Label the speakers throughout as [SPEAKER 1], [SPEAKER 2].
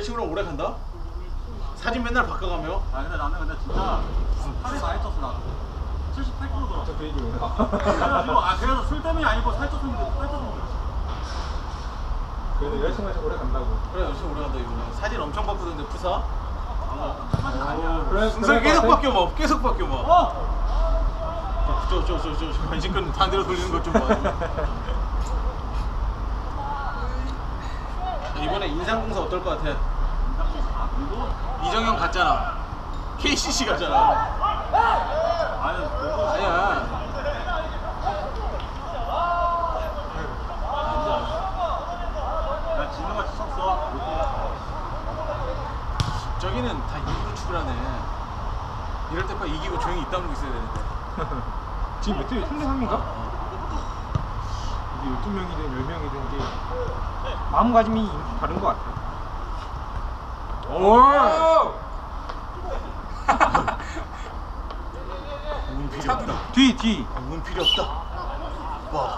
[SPEAKER 1] 남자친구랑 오래 간다? 사진 맨날 바꿔가며?
[SPEAKER 2] 아 근데 나는 진짜 살이 많이 쪘어 나 78kg더라
[SPEAKER 3] 저 얘기구나.
[SPEAKER 2] 그래서 술 때문이 아니고 살쪘었는데 살쪘었는데
[SPEAKER 3] 그래도 여자친구랑 오래 간다고.
[SPEAKER 1] 그래 열심히 오래 간다 이거는. 사진 엄청 바꾸던데 푸사?
[SPEAKER 2] 사실 아니야
[SPEAKER 1] 순서 계속 바뀌어 막 계속 바뀌어 막. 저 관심끈 반대로 돌리는 것 좀 봐. 이번에 인상공사 어떨 것 같아? 이정현 갔잖아. KCC 갔잖아. 아니야.
[SPEAKER 2] 나 진우같이 쳤어
[SPEAKER 1] 저기는 다 이기고 축구하네. 이럴 때 봐 이기고 조용히 입 다물고 있어야 되는데.
[SPEAKER 3] 지금 몇 대요? 3대3인가? 이게 12명이든 10명이든 이게 마음가짐이 다른 것 같아. 오!
[SPEAKER 1] 운 필요 없다.
[SPEAKER 3] 뒤.
[SPEAKER 1] 운 필요 없다. 와.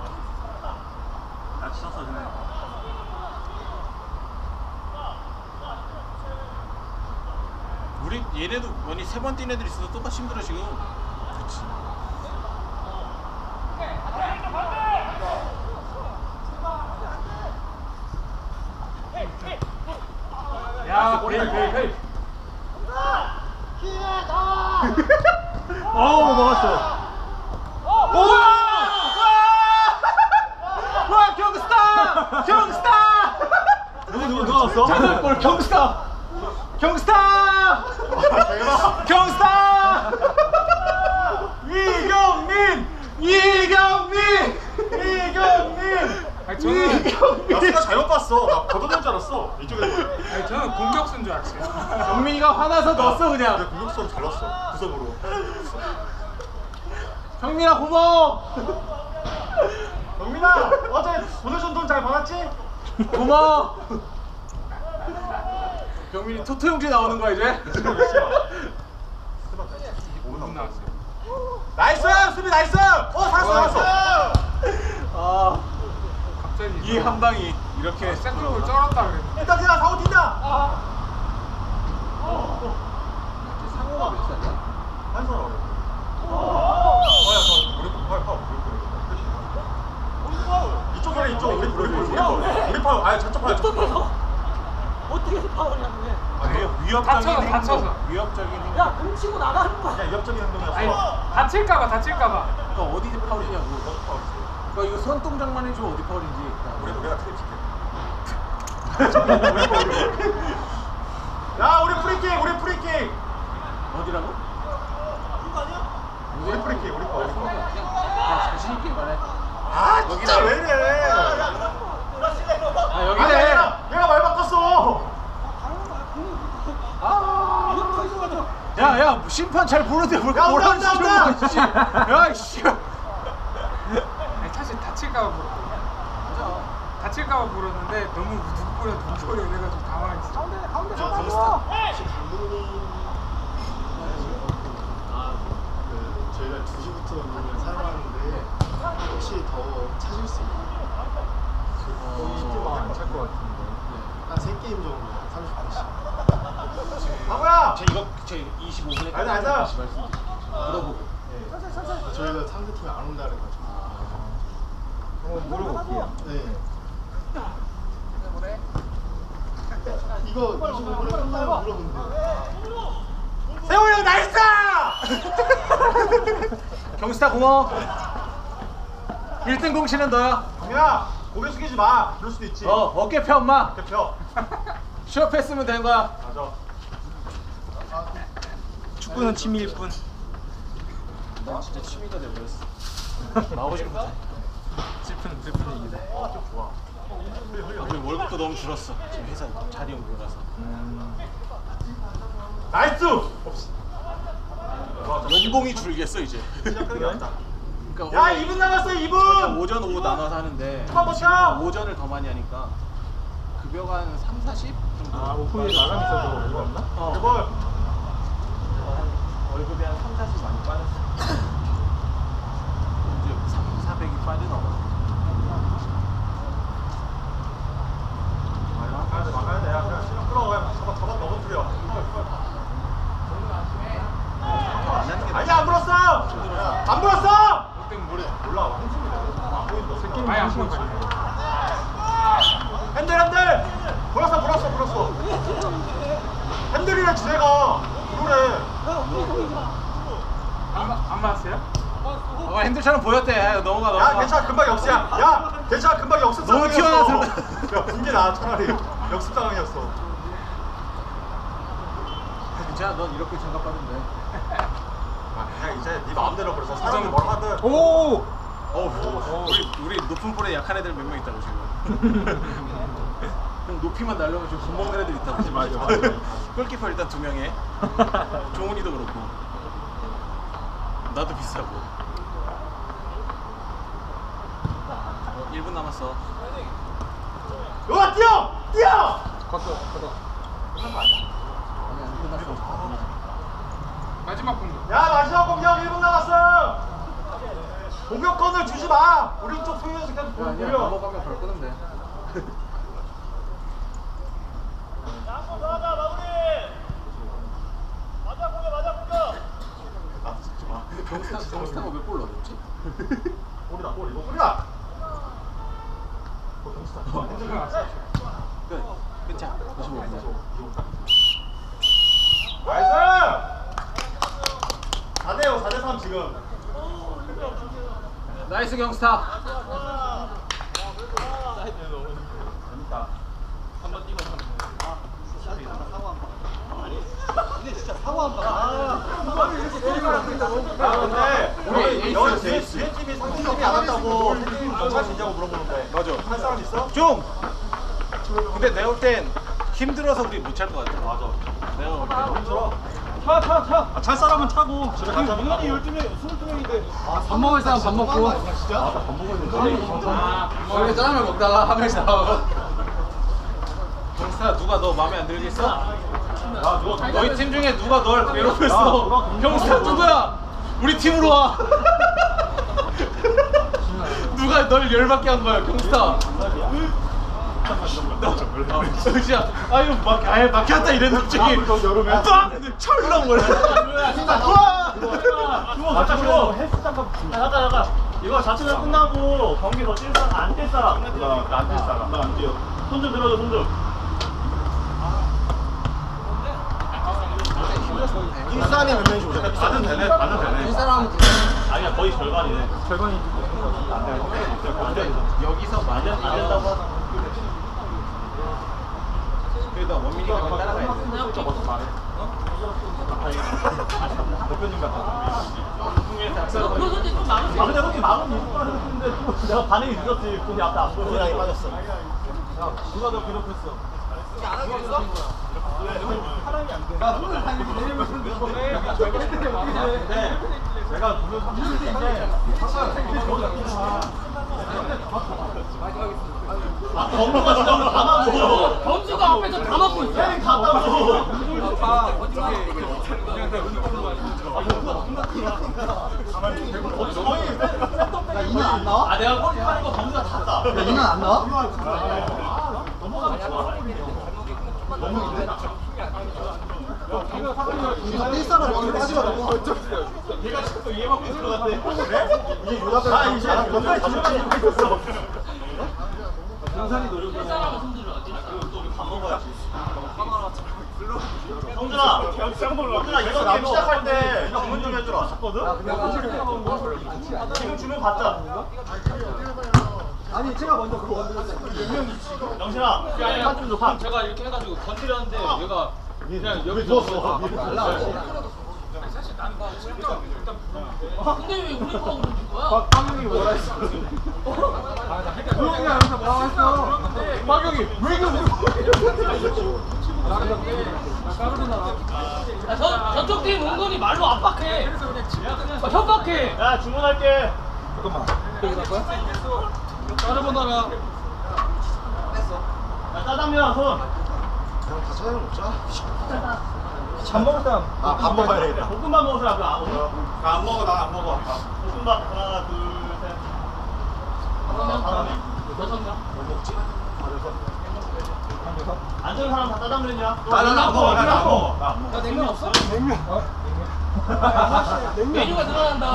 [SPEAKER 2] 나 쳤어 전에
[SPEAKER 1] 우리 얘네도 많이 세 번 뛴 애들 있어서 똑같이 힘들어 지금. 그렇지.
[SPEAKER 3] 야, 헤이. 어우, 먹었어.
[SPEAKER 1] 와 경스타!
[SPEAKER 3] 누가 왔어?
[SPEAKER 1] 장난골 경스타! 이경민!
[SPEAKER 3] 아니, 저는
[SPEAKER 2] 야수가 잘못 봤어 나 걷어낸 줄 알았어 이쪽에
[SPEAKER 3] 아니, 저는 공격수인 줄 알았어요.
[SPEAKER 1] 경민이가 화나서 넣었어 그냥.
[SPEAKER 2] 공격수로 잘 넣었어 구석으로
[SPEAKER 1] 경민아 고마워.
[SPEAKER 2] 경민아 어제 보내준 돈 잘 받았지?
[SPEAKER 1] 고마워. 경민이 토토 형제 나오는 거야 이제?
[SPEAKER 3] 5분 나왔어요.
[SPEAKER 2] 나이스 수비 나이스 살았어
[SPEAKER 1] 아,
[SPEAKER 3] 갑자기
[SPEAKER 1] 이 한 방이 이렇게
[SPEAKER 3] 센터볼 쩔었다 그랬는데.
[SPEAKER 2] 일단 그냥 사고 뛴다
[SPEAKER 1] 상호가 몇 살이야?
[SPEAKER 2] 한 손 어려 이쪽 그래 이쪽 우리 파울 아니 저쪽 파울
[SPEAKER 4] 어떻게 해서 파울이냐고.
[SPEAKER 1] 위협적인
[SPEAKER 3] 다쳐서.
[SPEAKER 1] 행동. 위협적인 행동.
[SPEAKER 4] 야, 공 치고 나가는 거야.
[SPEAKER 2] 그냥 위협적인 행동이었어
[SPEAKER 3] 아니, 다칠까봐.
[SPEAKER 1] 그러니까 어디 파울이냐고. 그러니까 이거 손동작만 해주면 어디 파울인지.
[SPEAKER 2] 우리가 트립 칠게 야 우리 프리킥
[SPEAKER 1] 어디라고?
[SPEAKER 2] 우리 프리킥 우리 거
[SPEAKER 1] 그냥 자신 있게 말해.
[SPEAKER 2] 아 진짜 왜 이래
[SPEAKER 1] 아 여기네.
[SPEAKER 2] 얘가 말 바꿨어
[SPEAKER 1] 야 심판 잘 보는데 뭘
[SPEAKER 2] 야,
[SPEAKER 1] 뭐라는
[SPEAKER 2] 온다,
[SPEAKER 1] 식으로
[SPEAKER 2] 온다.
[SPEAKER 1] 봐, 씨. 야 씨.
[SPEAKER 3] 아니, 사실 다칠까봐 물었거든요. 다칠까봐 물었는데 너무 누구 보려 이래가지고 당황했어.
[SPEAKER 4] 가운데
[SPEAKER 1] 저
[SPEAKER 4] 나가는
[SPEAKER 1] 검스타.
[SPEAKER 4] 거.
[SPEAKER 5] 저희가 2시부터 운동을 사용하는데 혹시 더 찾을 수 있나요?
[SPEAKER 3] 20대만 안찰것 같은데.
[SPEAKER 5] 한 3게임 정도 30분씩
[SPEAKER 2] 바보야
[SPEAKER 1] 제 25분에
[SPEAKER 2] 알다.
[SPEAKER 1] 다시 말씀드릴게요. 물어보고.
[SPEAKER 5] 저희가 상대팀이 안 온다 그래가지고
[SPEAKER 3] 한번 물어볼게요.
[SPEAKER 5] 네. 이거 25분에 끝나면 물어본대요.
[SPEAKER 2] 세호 형 나이스
[SPEAKER 1] 경스타 고마워. 1등 공신은 너야.
[SPEAKER 2] 경민아 고개 숙이지 마 그럴 수도 있지
[SPEAKER 1] 어깨 펴 엄마.
[SPEAKER 2] 대표
[SPEAKER 1] 취업했으면 된 거야.
[SPEAKER 2] 맞아
[SPEAKER 3] 축구는 취미일 뿐.
[SPEAKER 1] 난 진짜 취미가 돼버렸어. 나오고 싶은 거.
[SPEAKER 3] 슬픈 얘기다.
[SPEAKER 2] 좋아
[SPEAKER 1] 우리 월급도 너무 줄었어. 지금 회사 자리 옮겨가서.
[SPEAKER 2] 나이스
[SPEAKER 1] 연봉이 줄겠어 이제.
[SPEAKER 2] 시작하는 게 낫다
[SPEAKER 1] 그러니까
[SPEAKER 2] 야
[SPEAKER 1] 원래
[SPEAKER 2] 2분 남았어 2분
[SPEAKER 1] 오전 오후 나눠서 하는데
[SPEAKER 2] 한번 더
[SPEAKER 1] 지금
[SPEAKER 2] 쳐!
[SPEAKER 1] 오전을 더 많이 하니까 급여가 한 3, 40 정도.
[SPEAKER 3] 아, 오프닝 나감 있어서 이거 없나?
[SPEAKER 2] 이걸
[SPEAKER 1] 월급이 한 3, 40 많이 빠졌어. 이제 3, 400이 빠지나 봐.
[SPEAKER 2] 막아야 돼 야 그냥 시간 끌어 해 지내가. 그래.
[SPEAKER 3] 안 맞았어요?
[SPEAKER 1] 핸들처럼 보였대. 넘어가
[SPEAKER 2] 야 괜찮아 금방 역습이야. 야 괜찮아 금방 역습
[SPEAKER 1] 너무
[SPEAKER 2] 상황이었어.
[SPEAKER 1] 튀어나와서.
[SPEAKER 2] 야 분개 나 차라리 역습 상황이었어.
[SPEAKER 1] 괜찮아. 넌 이렇게 장갑받으면 돼.
[SPEAKER 2] 아 그냥 이제 네 마음대로 그래서 사람이 뭐라 하든.
[SPEAKER 3] 오!
[SPEAKER 1] 우리 높은 볼에 약한 애들 몇 명 있다고 지금. 형 높이만 날려면 좀 겁먹는 애들 있다고.
[SPEAKER 3] 맞아.
[SPEAKER 1] 골키퍼 일단 2명에. 종훈이도 그렇고. 나도 비싸고. 1분 남았어.
[SPEAKER 2] 와 뛰어! 뛰어!
[SPEAKER 3] 걷어. 마지막 공격.
[SPEAKER 2] 야 마지막 공격 1분 남았어. 공격권을 주지 마. 우리 쪽 소유해서 계속 돌려.
[SPEAKER 1] 넘어가면 바로 끄면 돼.
[SPEAKER 2] 아 진짜 마.
[SPEAKER 1] 근데 병스타가 왜 골 넣었지?
[SPEAKER 2] 골이다 골 이거 골이다.
[SPEAKER 1] 끝. 끝이야. 55분.
[SPEAKER 2] 나이스! 4대5 4대3 지금.
[SPEAKER 1] 나이스 경스타.
[SPEAKER 2] 근데 여기 뒤에 팀이 상승점이 안 왔다고 팀 정말 진짜고 물어보는데
[SPEAKER 1] 맞아.
[SPEAKER 2] 한 사람 있어?
[SPEAKER 1] 좀. 근데 내가 볼 땐 힘들어서 우리 못 찰 것 같아.
[SPEAKER 2] 맞아.
[SPEAKER 1] 내가 볼 때.
[SPEAKER 2] 힘들어.
[SPEAKER 3] 차.
[SPEAKER 2] 찰 사람은 차고.
[SPEAKER 3] 민원이 12명, 22명인데.
[SPEAKER 4] 밥 먹을 사람 밥 먹고. 원래 짜장면 먹다가 한 명씩 나와서.
[SPEAKER 1] 경스타 누가 너 마음에 안 들겠어? 너희 팀 중에 누가 널 괴롭혔어? 경스타 누구야? 우리 팀으로 와. 누가 널 열받게 한 거야, 경스타? 진짜 아유 막혔다 이랬는데 갑자기 빵 철렁 거려.
[SPEAKER 2] 와! 잠깐 잠깐. 이거 자체가 끝나고 경기 더 뛸 사람 안 뛸 사람. 나안뛸 사람. 나 안 뛰어. 손 좀 들어줘 손 좀.
[SPEAKER 5] 일산이 몇 명이서 오셨나요?
[SPEAKER 2] 반은 되네. 반은 되네.
[SPEAKER 4] 이 사람
[SPEAKER 2] 아니야 거의 절반이네.
[SPEAKER 3] 절반이.
[SPEAKER 1] 여기서 마련 안 된다고 하잖아. 그래도 원민이가 좀 따라가야 돼.
[SPEAKER 2] 대표님 같아.
[SPEAKER 4] 그것도 좀 많은
[SPEAKER 2] 아 근데 혹시 마음이 있을 거 같은데 또 내가 반응이 늦었지. 돈이 앞에 안 보여.
[SPEAKER 5] 고양이 빠졌어.
[SPEAKER 2] 누가 너 괴롭혔어? 네. 내가 무슨 30대인데 아 범수가 진짜 다 막고
[SPEAKER 4] 범수가 앞에서 다 막고 있어.
[SPEAKER 2] 혜린 갔다고
[SPEAKER 5] 야, 이년 안 나와?
[SPEAKER 2] 아 내가 골 하는 거 범수가 다 땄다.
[SPEAKER 5] 야, 이년 안 나와? 이거 뛸 사람 오늘 빠지더라고.
[SPEAKER 2] 얘가 자꾸 이해받고 들어갔대. 이제 유답을 아 이제 몇 가지 질문이 있었어. 동산이 노력을 또밥 먹어야지. 성준아, 성준아 이거 게임 시작할 때 이거 주문 좀 해주라. 지금 주문 받자.
[SPEAKER 5] 아니, 제가 먼저 그거 원드렸어요.
[SPEAKER 2] 영신아, 한좀 줘. 판.
[SPEAKER 3] 제가 이렇게 해가지고 건드렸는데 얘가 그냥 여기
[SPEAKER 2] 누웠어.
[SPEAKER 4] 근데 왜 우리 거라고 그러는 거야?
[SPEAKER 3] 박경이 뭐라 했어? 조용히 하면서 뭐라고 했어? 박경이 왜
[SPEAKER 4] 야, 저쪽 팀 은근히 말로 압박해. 협박해.
[SPEAKER 2] 야 주문할게.
[SPEAKER 3] 까르보나라
[SPEAKER 2] 야 짜장면 손.
[SPEAKER 5] 그냥 다 찾아내 먹자.
[SPEAKER 3] 밥 먹을 사람
[SPEAKER 5] 아, 밥 먹어야 되겠다.
[SPEAKER 2] 볶음밥 먹을 사람 나안 먹어 나 안 먹어. 볶음밥 하나 둘 셋. 다섯 명.
[SPEAKER 5] 뭐 먹지?
[SPEAKER 2] 앉은 사람 다 짜장면이야.
[SPEAKER 5] 나는 안 먹어, 나는 안 먹어.
[SPEAKER 2] 나
[SPEAKER 4] 냉면 없어?
[SPEAKER 3] 냉면
[SPEAKER 4] 메뉴가 늘어난다.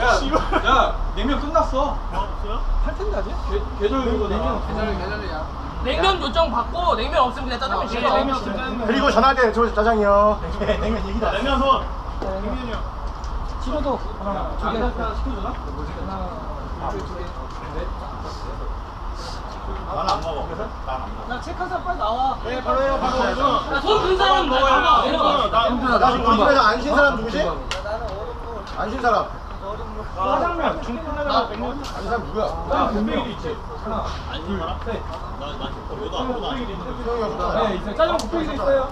[SPEAKER 3] 야 냉면 끝났어
[SPEAKER 2] 없어요?
[SPEAKER 3] 할 텐데 아직? 계절 이거 냉면
[SPEAKER 4] 계절이야. 냉면 요청 받고 냉면 없으면 그냥 짜장면 시켜.
[SPEAKER 5] 그리고 전화할 때 저 짜장이요.
[SPEAKER 2] 냉면 얘기다. 냉면 손.
[SPEAKER 3] 치료도 하나 시켜주나?
[SPEAKER 2] 나는 안 먹어. 나는 안 먹어.
[SPEAKER 4] 나 체크해서 빨리 나와.
[SPEAKER 2] 네, 바로 해요. 바로 해요.
[SPEAKER 4] 손든 사람 먹어요.
[SPEAKER 5] 나 지금 우리 집에서 안 쉰 사람 누구지? 안 쉰 사람.
[SPEAKER 3] 짜장면 중국에다가 냉면
[SPEAKER 5] 안 쉰 사람 누구야?
[SPEAKER 3] 분명히 있지. 하나, 둘, 셋.
[SPEAKER 5] 수영이 형.
[SPEAKER 3] 네, 있어요. 짜장면 곱빼기도 있어요.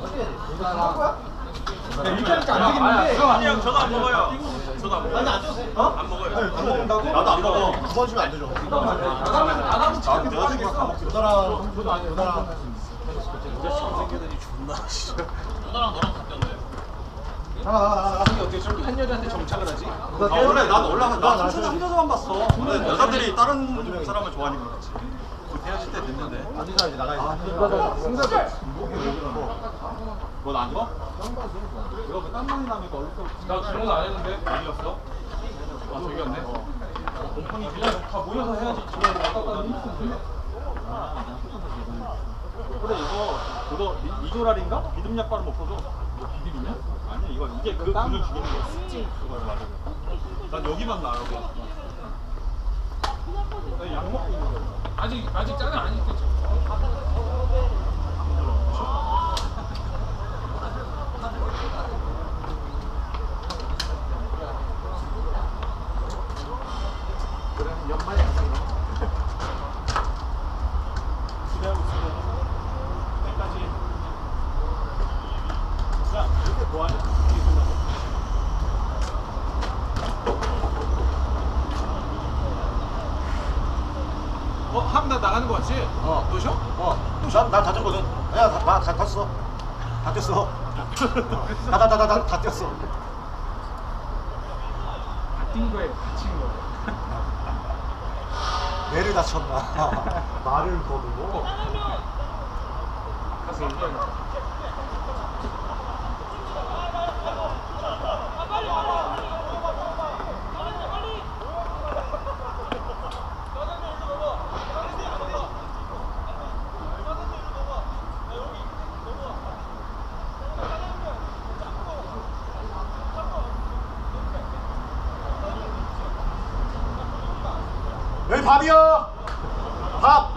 [SPEAKER 3] 네, 이렇게 하니까 안 되겠는데.
[SPEAKER 2] 아니요, 저도 안 먹어요. 저도 안 먹어요. 안 먹어요. 나도 안 먹어.
[SPEAKER 5] 9번 주면 안 되죠.
[SPEAKER 4] 나가면
[SPEAKER 5] 여자친구가 다 먹지. 여자랑 나가.
[SPEAKER 1] 어떻게 저렇게 한 여자한테 정착을 하지?
[SPEAKER 2] 원래 나도 올라가. 나 춤추는 혼자서만 봤어. 근데 여자들이 다른 사람을 좋아하니까 그렇지. 헤어질 때 됐는데.
[SPEAKER 5] 안 쉰 사람 이제 나가야지. 승자들.
[SPEAKER 2] 넌안 줘?
[SPEAKER 1] 나 질문 안 했는데 어디였어? 아 저기였네. 곰팡이 그냥 다 모여서 해야지. 지금
[SPEAKER 2] 그래 그거 이조랄인가? 비듬 약발은 없어져. 비듬이냐? 아니야 이거 이게 그 근을 죽이는 거야. 그걸 말해. 난 여기만 나 여기. 나약 먹고 있는 거야.
[SPEAKER 1] 아직 짜장 안 했겠죠.
[SPEAKER 2] 기대하고 있어. 때까지. 야 이렇게 뭐하냐? 이게 끝나고.
[SPEAKER 1] 함나 나가는 거 같지? 너 쉬어?
[SPEAKER 5] 나다 졌거든. 야, 다 떴어. 다 떴어. 다 떴어.
[SPEAKER 3] 뛴 거에 다친 거.
[SPEAKER 5] 뇌를 다쳤나? 말을 거두고.
[SPEAKER 3] 가서 얘기해.
[SPEAKER 5] 여기 밥이요. 밥.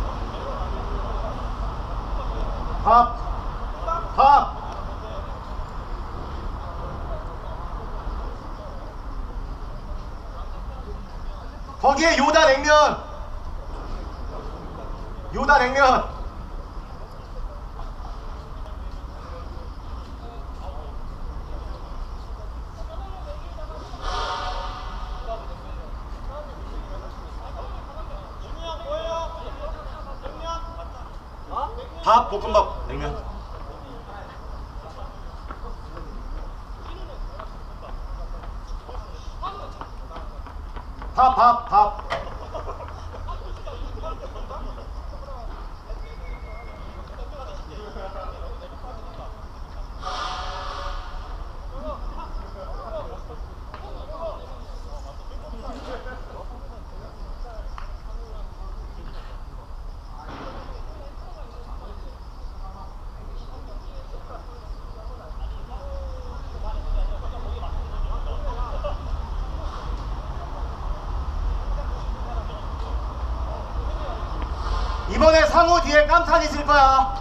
[SPEAKER 5] 거기에 요다 냉면. 밥, 볶음밥, 냉면. 밥. 이번에 상호 뒤에 깜탄 있을 거야.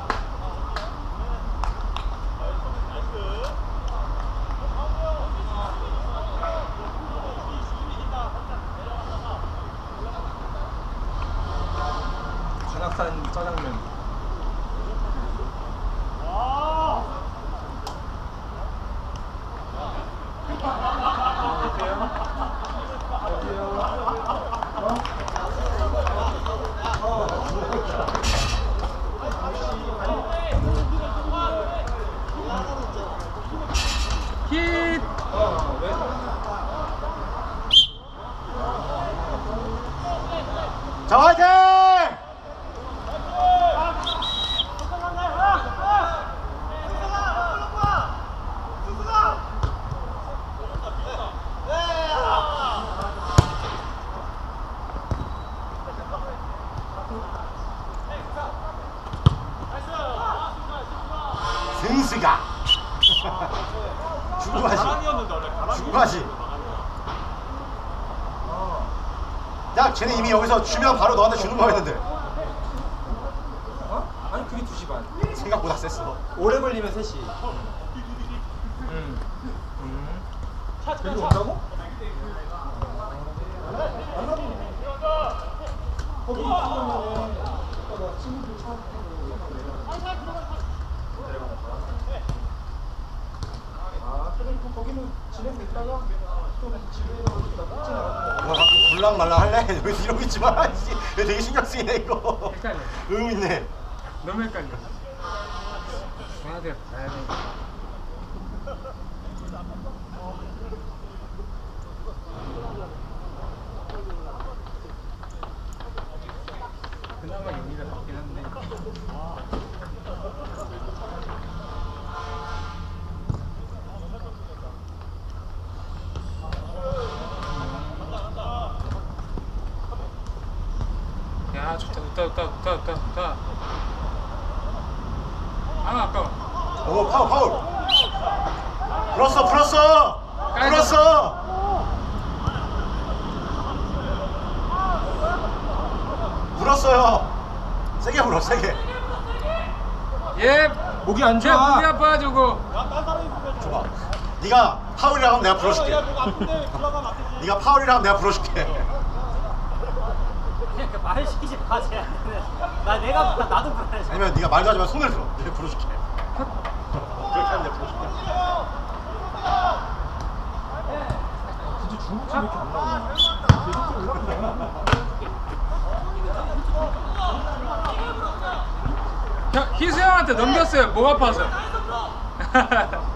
[SPEAKER 3] 관악산 짜장면.
[SPEAKER 4] 힛.
[SPEAKER 5] 자, 화이팅!
[SPEAKER 6] 가. 주고 가지.
[SPEAKER 2] 가랑이었는데 원래 가랑이.
[SPEAKER 6] 주고 가지. 야, 쟤네 이미 여기서 주면 바로 너한테 주는 거였는데
[SPEAKER 3] 어? 아니 그게 2시 반.
[SPEAKER 6] 생각보다 셌어.
[SPEAKER 3] 오래 걸리면 3시. 여기 온다고? 거기 있으면 친구들 차 아, 그럼 거기는 진행됐다가 또 집에 가서
[SPEAKER 6] 뭐 불랑말랑 할래? 여기서 이러고 있지 마. 씨. 얘 되게 신경 쓰이네 이거.
[SPEAKER 3] 헷갈려.
[SPEAKER 6] 의미 있네.
[SPEAKER 3] 너무 헷갈려. 가야 돼. 그나마 용기가 낫긴 한데. 야 좋다. 아 아까워.
[SPEAKER 6] 오, 파울. 불었어. 불었어요. 세게 불어, 세게.
[SPEAKER 3] 예. 목이 안 좋아. 목이 아파가지고.
[SPEAKER 6] 줘봐. 네가 파울이라고 하면 내가 불어줄게.
[SPEAKER 2] 목 아픈데 들어가면 안 되지.
[SPEAKER 6] 네가 파울이라고 하면 내가 불어줄게.
[SPEAKER 4] 그냥 그 말을 시키지 마. 나 내가 나도 불안해.
[SPEAKER 6] 아니면 네가 말도 하지 마, 손을 들어. 내가 불어줄게. 그렇게 하면 내가 불어줄게.
[SPEAKER 3] 진짜 중국집 이렇게 안 나오네. 희수 형한테 넘겼어요. 목 아파서.